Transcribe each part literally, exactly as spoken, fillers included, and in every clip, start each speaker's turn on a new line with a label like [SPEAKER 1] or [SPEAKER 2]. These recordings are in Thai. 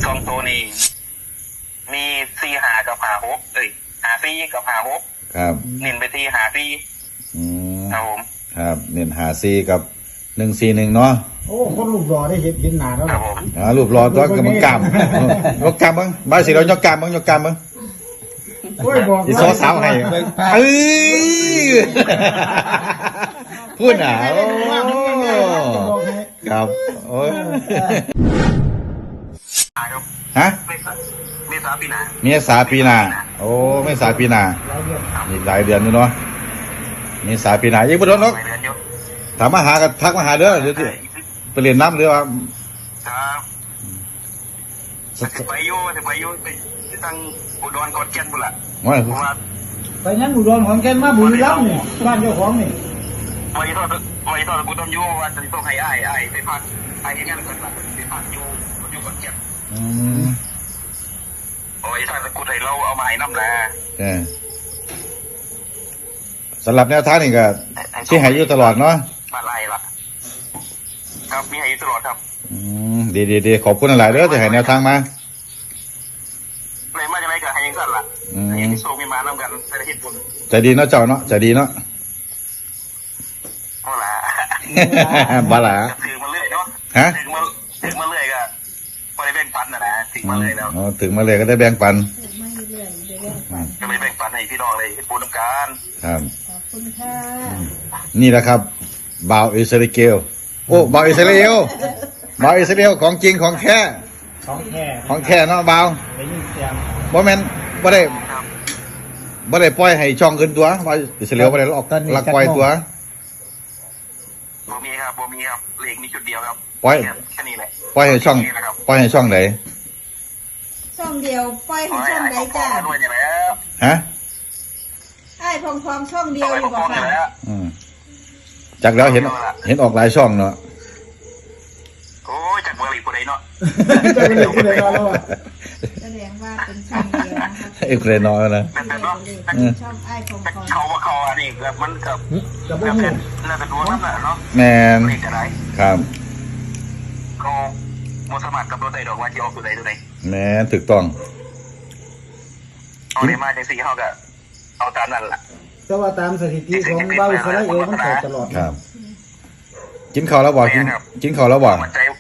[SPEAKER 1] สองตัวนี้มีสี่หากับหาหกเอ้ยหาสี่กับหาหก
[SPEAKER 2] ครับ
[SPEAKER 1] เน้นไปที่หาสี่
[SPEAKER 2] อืม
[SPEAKER 1] ครับผม
[SPEAKER 2] ครับเน้นหาซีกับหนึ่งซีหนึ่งเนาะ
[SPEAKER 3] โอ้คนรูปรอได้เห็นเห็นหนาแล้ว
[SPEAKER 1] ครับผม
[SPEAKER 2] อ่ารูปรอตัวกับมึงกามยกกามมึงบ้านสิเรายกกามมึงยกกามมึง
[SPEAKER 3] โอ้ยบอก
[SPEAKER 2] อีโซสาวให้เอ้ยพูดหนาโอ้ครับโอ้ยฮะ
[SPEAKER 1] เมษาปีหน้า
[SPEAKER 2] เมษาปีหน้าโอ้เมษาปีหน้าอีกหลายเดือนอยู่เนาะเมษาปีหน้ายังไม่โดนหรอกถามมาหากันทักมาหาเด้อเดี๋ยวที่ไปเรียนน้ำหรือว่า
[SPEAKER 1] ครับจะไปอยู่จะไปอยู่ไปตั้งอุดรขอนแก่นบุญละว่า
[SPEAKER 3] ไปงั้นอุดรขอนแก่นมาบุรีรัมย์นี่บ้านเจ้าของนี่
[SPEAKER 1] ไว้ทอดไว้ทอดกูต้องอยู่ว่าจะต้องให้อ้ายอ้ายไปพักไอ้ยังไงกันล่ะไปพักอยู่อยู่ขอนแก่น
[SPEAKER 2] อืม
[SPEAKER 1] โอ้ยถ้ากูไทยเราเอามาให้น้ำนะ
[SPEAKER 2] เออสำหรับแนวทางนี่ก็ที่ให้อยู่ตลอดเนาะ
[SPEAKER 1] มาไล่ละครับมีให้อยู่ตลอดครับ
[SPEAKER 2] อืมดีดีดีขอบคุณหลายเด้อที่ให้แนวทางมา
[SPEAKER 1] เลยมาจากไหนก็ให้ยังกันล่ะยังที่โซ่มีมาน้ำกันใส่เหตุผล
[SPEAKER 2] ใจดีเนาะเจ้าเนาะใจดีเนาะ
[SPEAKER 1] บ้าละ
[SPEAKER 2] บ้าละ
[SPEAKER 1] ถือมาเรื่อยเนาะ
[SPEAKER 2] ฮะ
[SPEAKER 1] ถือมาถือมาเรื่อยก็พอได้แบ่งปันนะนะถือมาเรื่อยแล้ว
[SPEAKER 2] อ๋อถึงมาเลยก็ได้แบ่งปัน
[SPEAKER 1] ก็ไม่แบ่งปันให้พี่น้องเลยปูน้ำการ
[SPEAKER 2] ครับ
[SPEAKER 4] ขอบคุณค่ะ
[SPEAKER 2] นี่แหละครับบ่าวอิสราเอลโอ้บ่าวอิสราเอลบ่าวอิสราเอลของจริงของแท้
[SPEAKER 3] ของแท้
[SPEAKER 2] ของแท้เนาะบ่าว
[SPEAKER 3] ได้ยินเสียง
[SPEAKER 2] บ่แม่นบ่ได้บ่ได้ปล่อยให้ช่องอื่นตัวบ่าวอิสราเอลบ่ได้ออกลักปล่อยตัว
[SPEAKER 1] บ่มีครับบ่มีครับเลขมีจุดเดียวครับ
[SPEAKER 2] ปล่อย
[SPEAKER 1] แค่นี้แหละ
[SPEAKER 2] ปล่อยให้ช่องปล่อยให้ช่องไหน
[SPEAKER 4] ช่องเดียวปล่อยให้ช่องใดจ้า
[SPEAKER 2] ฮะ
[SPEAKER 4] ไอ้พองพองช่องเดียวอยู่บ่ค่ะ
[SPEAKER 2] อืมจากแล้วเห็นเห็นออกหลายช่องเนาะ
[SPEAKER 1] โอ้ยจากเมื่อไหร่ผู้ใดเนาะ
[SPEAKER 3] จะเป็นผู้ใดเนาะ
[SPEAKER 4] แสดงว่าเป็นช่องเดียวนะคะ
[SPEAKER 2] ไอ้ผู้ใดน้อยนะ
[SPEAKER 4] ช่องไอ้พองพอง
[SPEAKER 1] เขาว่าเขาอันนี้เกือบมันเกือบ
[SPEAKER 3] จะบ่
[SPEAKER 1] เกือบ
[SPEAKER 3] ฮู้
[SPEAKER 1] เป็นน่าจะดูนั่นแหละเนาะ
[SPEAKER 2] แม่น
[SPEAKER 1] เลขอะไร
[SPEAKER 2] ครับ
[SPEAKER 1] เขาโมสมัครกับตัวใดดอกว่าที่ออกตัวใดตัวใด
[SPEAKER 2] แม่นถูกต้อง
[SPEAKER 1] เอาได้มาจากสี่เขาก็เอาตามนั่นแหละ
[SPEAKER 3] แต่ว่าตามสถิติของเบ้าอิสราเอลมันเข้าตลอด
[SPEAKER 2] ครับกินข้าวแล้วบ่กินกินข้าวแล้วบ่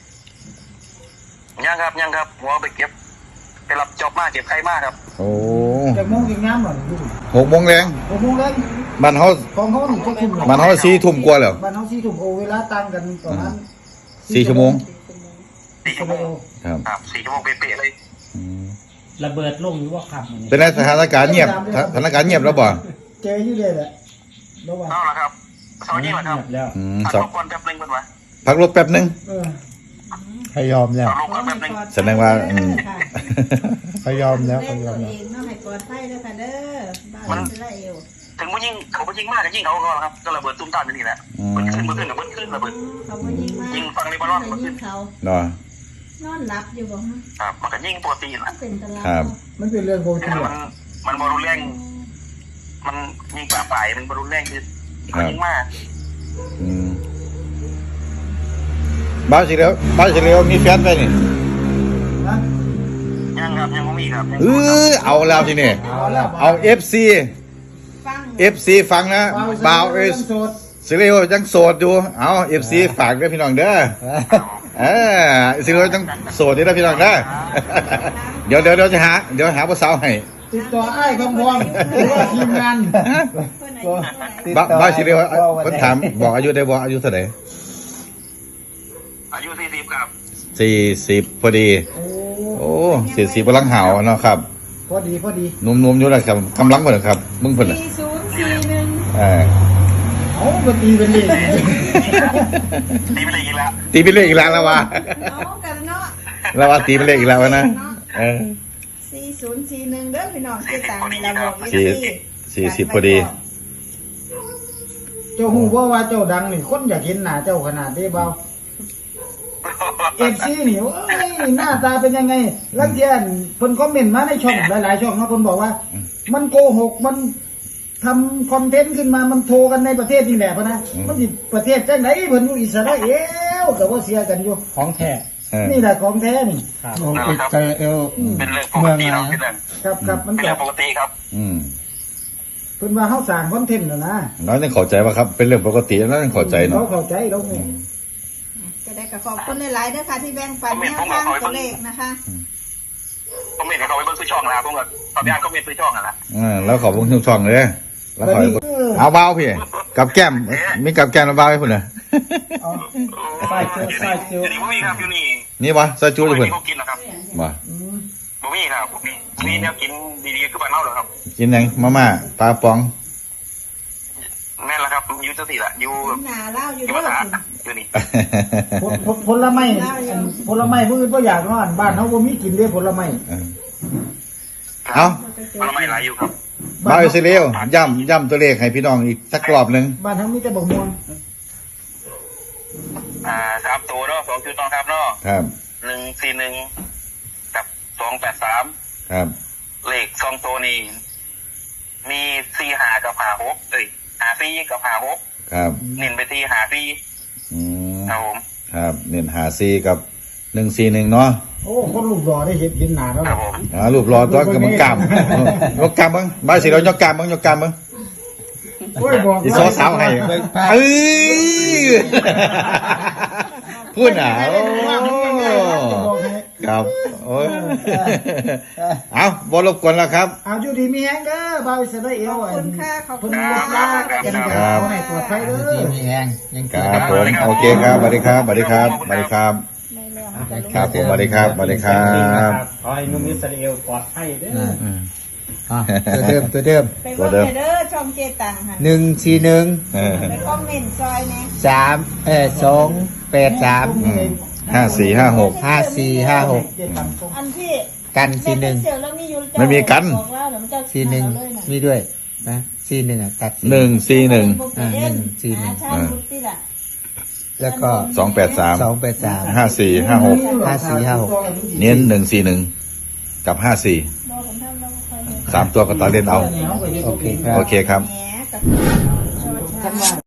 [SPEAKER 1] ยังครับยังครับหัวไปเก็บไปรับจอบมาเก็บไข่มาครับ
[SPEAKER 2] โอ้
[SPEAKER 3] แต่โมงกินน้ำบ่
[SPEAKER 2] หกโมงแรง
[SPEAKER 3] หกโมงแรง
[SPEAKER 2] บ้านเฮา
[SPEAKER 3] ของเฮานี่ก็ทุ่ม
[SPEAKER 2] บ้านเฮาสี่ทุ่มกว่าแล้ว
[SPEAKER 3] บ้านเฮาสี่ทุ่มโอเวลาต่างกันประมาณ
[SPEAKER 2] สี่ชั่วโมง
[SPEAKER 1] สี่ชั่วโมงครับสี่ชั่วโมงเป๊ะๆเลย
[SPEAKER 3] ระเบิดลงหรือว่าขับ
[SPEAKER 2] เป็นสถานการณ์เงียบสถานการณ์เงียบแล้วบ่
[SPEAKER 3] เจออยู่เลยแหละ
[SPEAKER 1] ระหว่างเอาละครับสองยี่ห้อครับ
[SPEAKER 2] อืม
[SPEAKER 1] สองคนแป๊บนึงเป็นวะ
[SPEAKER 2] พักรถแป๊บนึง
[SPEAKER 3] ให้ยอมแล้ว
[SPEAKER 2] แสดงว่า
[SPEAKER 3] ให้ยอมแล้ว
[SPEAKER 4] ให้ยอมแล้วต้องให้ปลอดภัยด้วยค่ะเด้อบ้านอิสราเอล
[SPEAKER 1] ถึงมันยิ่งเขาก็ยิ่งมากก็ยิ่งเขาก็ครับก็ระเบิดตุ้มตามนี่แหละมันขึ้นมันขึ้นกับมันขึ้นระเบิด
[SPEAKER 4] เขาก็ยิ่งมาก
[SPEAKER 1] ยิ่งฟังในบอลล์มัน
[SPEAKER 4] ขึ้นเขา
[SPEAKER 2] เนาะ
[SPEAKER 4] นอนหลับอยู่บ่ฮะ
[SPEAKER 1] ครับมันก็ยิ่งปกตินะ
[SPEAKER 4] เป็นตลาด
[SPEAKER 2] ครับ
[SPEAKER 3] มันเป็นเรื่องปกติ
[SPEAKER 1] มันมันบอลลูนแรงมันยิ่งป่าฝ่ายมันบอลลูนแรงคือมันยิ่งมาก
[SPEAKER 2] อืมบ้านสิแล้วบ้านสิแล้วมีแฟนไปนี่
[SPEAKER 1] ยังครับยังไม่มีครับ
[SPEAKER 2] เออเอาแล้วทีนี้เอาเอฟซีเอฟซีฟังนะบ่าวเอสสิเรียวยังโสดอยู่เอาเอฟซีฝากด้วยพี่น้องเด้อเออสิเรียวยังโสดอยู่นะพี่น้องเด้อเดี๋ยวเดี๋ยวเดี๋ยวจะหาเดี๋ยวหาผู้สาวให้
[SPEAKER 3] ติดต่อไอ้คำพวงหรือว่าทีมงาน
[SPEAKER 2] บ้าบ้าสิเรียวคนถามบอกอายุได้บอกอายุเท่าไหร่
[SPEAKER 1] อายุสี่สิบครับ
[SPEAKER 2] สี่สิบพอดีโอ้สี่สิบกำลังหาวเนาะครับ
[SPEAKER 3] พอดีพอดี
[SPEAKER 2] นุ่มๆอยู่นะครับกำลังเหมือนครับมึงเพิ่น
[SPEAKER 4] สี่ศูนย์สี่หนึ่ง
[SPEAKER 2] เออ
[SPEAKER 3] โอ้ก็ตีเป็นเลข
[SPEAKER 1] ตีเป็นเลขอีกแล้ว
[SPEAKER 2] ตีเป็นเลขอีกแล้วแล้ววะ
[SPEAKER 4] เอากันเนาะ
[SPEAKER 2] แล้วว่าตีเป็นเลขอีกแล้วนะเออ
[SPEAKER 4] สี่ศูนย์สี่หนึ่งเด้อพี่น้องที่ต่างเราบอก
[SPEAKER 2] สี่สี่สิบพอดี
[SPEAKER 3] เจ้าหูว่าว่าเจ้าดังนี่คนอยากเห็นหน้าเจ้าขนาดนี้เบาเอฟซีนี่เอ้ยหน้าตาเป็นยังไงลังเทียนคนคอมเมนต์มาในช่องหลายๆช่องนะคนบอกว่ามันโกหกมันทำคอนเทนต์ขึ้นมามันโทรกันในประเทศนี่แหละพะนะมันประเทศจังไหนเพิ่นอยู่อิสราเอลแต่ว่าเสียกันอยู่
[SPEAKER 5] ของแท้
[SPEAKER 2] เออ
[SPEAKER 3] นี่แหละของแท้นี่
[SPEAKER 5] โอ้อิสราเอล
[SPEAKER 1] เป็นเรื่องปกติเนาะเป็นเรื่อง
[SPEAKER 3] ครับครับมัน
[SPEAKER 1] เป็น
[SPEAKER 3] ก็
[SPEAKER 1] เรื่องปกติครับ
[SPEAKER 2] อืม
[SPEAKER 3] เพิ่นว่าเฮาสร้างคอนเทนต์น่ะนะ
[SPEAKER 2] น้อยต้องเข้าใจว่าครับเป็นเรื่องปกติแล้วต้องเข้าใจ
[SPEAKER 3] เรา
[SPEAKER 2] เนาะ
[SPEAKER 3] เข้าใจเราเนี่ย
[SPEAKER 4] จะได้กับขอบคุณหลายๆด้วยค่ะที่แบ่งปันแนวทางตัวเลขนะคะ
[SPEAKER 1] ผมเห็นเขาไปเบิ้งซื้อช่องนะครับผมก็ตอนนี้ก็มีซื้อช่องนั่นแหละ
[SPEAKER 2] อ่าแล้วขอบคุณทุกช่องเลยแล้วขอ
[SPEAKER 3] บัดนี้เออ
[SPEAKER 2] เอาเบาพี่กับแก้มมีกับแก้มเบาให้พุ่นน่ะ
[SPEAKER 3] เอา
[SPEAKER 5] ใส่จุใส่จุ
[SPEAKER 1] อยู่นี่บ่มีครับอยู่นี่
[SPEAKER 2] นี่วะซอยจู
[SPEAKER 1] บ่
[SPEAKER 2] เลย
[SPEAKER 1] มี
[SPEAKER 2] พุ่น
[SPEAKER 1] เขากินนะครับ
[SPEAKER 2] บ่
[SPEAKER 3] อืม
[SPEAKER 1] บ่มีครับบ่มีมีแนวกินดีๆคือบ้านเฮาเหรอครับ
[SPEAKER 2] กินหยังมาม่าปลาปอง
[SPEAKER 1] แม่นแล้วครับอยู่จังซี่ล่ะอยู่
[SPEAKER 4] หนาเล่าอยู่
[SPEAKER 1] อยู่
[SPEAKER 4] ด้ว
[SPEAKER 1] ภาย ษาอยู่นี่
[SPEAKER 3] ผลผลผลไม้อันผลไม้มื้อบ่อยากนอนบ้านเฮาบ่มีกินเด้ผลไม้
[SPEAKER 2] เออ เอา
[SPEAKER 1] ผลไม้หลายอยู่ครับ
[SPEAKER 2] เบาอิสราเอลย่ำย่ำตัวเลขให้พี่น้องอีกสักรอบหนึ่ง
[SPEAKER 3] บ้านเฮามีแต่บักม่วง
[SPEAKER 1] อ่าสามตัวเนาะสองจุดต้องครับเนาะ
[SPEAKER 2] ครับ
[SPEAKER 1] หนึ่งสี่หนึ่งกับสองแปดสาม
[SPEAKER 2] ครับ
[SPEAKER 1] เลขสองตัวนี้มีสี่หากับหาหกเอ้ยหาสี่กับหาหก
[SPEAKER 2] ครับ
[SPEAKER 1] เน้นไปที่หาสี่
[SPEAKER 2] อืม
[SPEAKER 1] ครับผม
[SPEAKER 2] ครับเน้นหาซีกับหนึ่งซีหนึ่งเนาะ
[SPEAKER 3] โอ้คนรูปหล่อได้เห็นเห็นหน้าแล้ว
[SPEAKER 1] ครับ
[SPEAKER 3] นะ
[SPEAKER 1] ผม
[SPEAKER 2] อ่ารูปรอตัวกับมึงกล้ามเออยกกล้ามมึงบ้านสิเรายกกล้ามมึงยกกล้ามมึง
[SPEAKER 3] โอ้ยบอก
[SPEAKER 2] อีโซสาวให้เอ้ยพูดหนาโอ้ครับโอ้ยเอาบอลบกวนแล้วครับ
[SPEAKER 3] เอาอยู่ดีมีแฮงเด้อบาวอิสราเอล
[SPEAKER 4] ขอบคุณค่ะขอบคุ
[SPEAKER 3] เพิ่
[SPEAKER 4] ณ
[SPEAKER 3] น
[SPEAKER 4] ค่ะ
[SPEAKER 3] รักกันกันเอาให้ปลอดภัยเด้
[SPEAKER 5] ที่
[SPEAKER 3] อ
[SPEAKER 5] มีแรงยัง
[SPEAKER 2] ค
[SPEAKER 5] เกิด
[SPEAKER 2] รับผมโอเคครับสวัสดีครับสวัสดีครับสวัสดีครับ
[SPEAKER 4] ในเรื่องจะรู้
[SPEAKER 2] ครับผมสวัสดีครับสวัสดีครับ
[SPEAKER 6] ขอให้นุ่มอิสราเอลปลอดภัยเด้อ
[SPEAKER 2] อืม
[SPEAKER 5] อ่ะตัวเดิมตัวเดิม
[SPEAKER 4] ไปเบิ่งเด้อช่องเจตังค่ะ
[SPEAKER 5] หนึ่งสี่หนึ่ง
[SPEAKER 2] เออ
[SPEAKER 4] ไปคอมเมนต์ซอยนะ
[SPEAKER 5] สามเออสองแปดสาม
[SPEAKER 2] อืมห้าสี่ห้าหก
[SPEAKER 5] ห้าสี่ห้าหก
[SPEAKER 3] เจ็ดตังค์
[SPEAKER 4] อันที่
[SPEAKER 5] กันสี่หนึ่ง
[SPEAKER 4] เสี่ยวแล้วมีอยู่
[SPEAKER 2] ไม่มีกัน
[SPEAKER 4] บอกว่าเดี๋ยวมันจะ
[SPEAKER 5] สี่หนึ่ง
[SPEAKER 4] เลยะ
[SPEAKER 5] มีด้วยนะสี่หนึ่งอ่ะตัด
[SPEAKER 2] หนึ่งสี่หนึ่ง
[SPEAKER 5] อ่าหนึ่งสี่หนึ่ง
[SPEAKER 4] อ่าใช่ลูกที่ละ
[SPEAKER 5] แล้วก็
[SPEAKER 2] สองแปดสาม
[SPEAKER 5] สองแปดสาม
[SPEAKER 2] ห้าสี่ห้าหก
[SPEAKER 5] ห้าสี่ห้าหก
[SPEAKER 2] เน้นหนึ่งสี่หนึ่งกับห้าสี่
[SPEAKER 4] บอกผมทำแล้วค่อยเห็น
[SPEAKER 2] สามตัวก็ตัดเล่นเอา
[SPEAKER 5] โอเคครับ
[SPEAKER 2] โอเคครับ
[SPEAKER 4] แหมกับชอช้าง